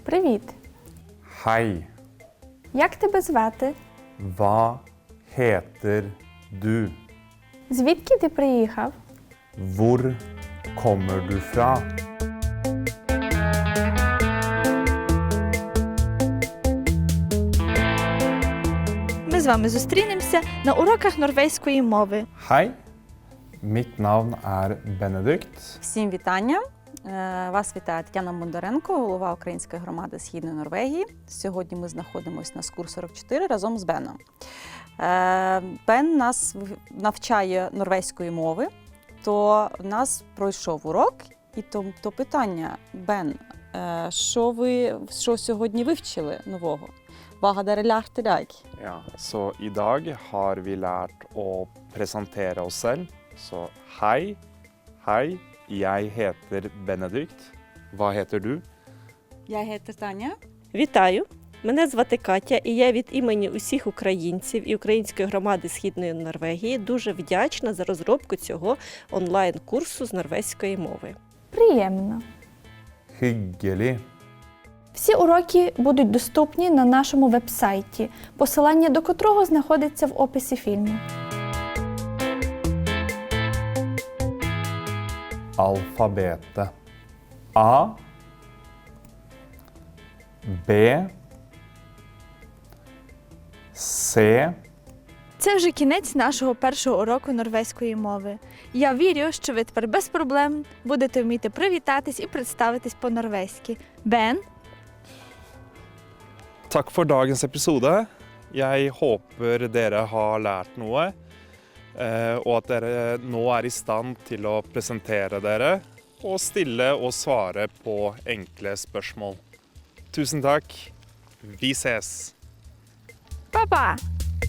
Привіт! Hei, Як тебе звати? hva heter du? Звідки ти приїхав? Hvor kommer du fra? Ми з вами зустрінемося на уроках норвезької мови. Hei, mitt navn er Benedikt. Всім вітання! Вас вітає Тетяна Бондаренко, голова Української громади Східної Норвегії. Сьогодні ми знаходимося на СКУР 44 разом з Беном. Бен нас навчає норвезької мови, то в нас пройшов урок, і то питання, Бен, що сьогодні вивчили нового? Hva har dere lært i dag? Ja, så i dag har vi lært å presentere oss selv. Så hei, jeg heter Benedikt. Hva heter du? Jeg heter Таня. Вітаю! Мене звати Катя, і я від імені усіх українців і Української громади Східної Норвегії дуже вдячна за розробку цього онлайн-курсу з норвезької мови. Приємно! Hyggelig. Всі уроки будуть доступні на нашому веб-сайті, посилання до котрого знаходиться в описі фільму. Alfabetet. A, B, C, Це вже кінець нашого першого уроку норвезької мови. Я вірю, що ви тепер без проблем будете вміти привітатись і представитись по-норвезьки. Бен, Takk for dagens episode. Jeg håper dere har lært noe, og at dere nå er i stand til å presentere dere og stille og svare på enkle spørsmål. Tusen takk. Vi ses! па-па!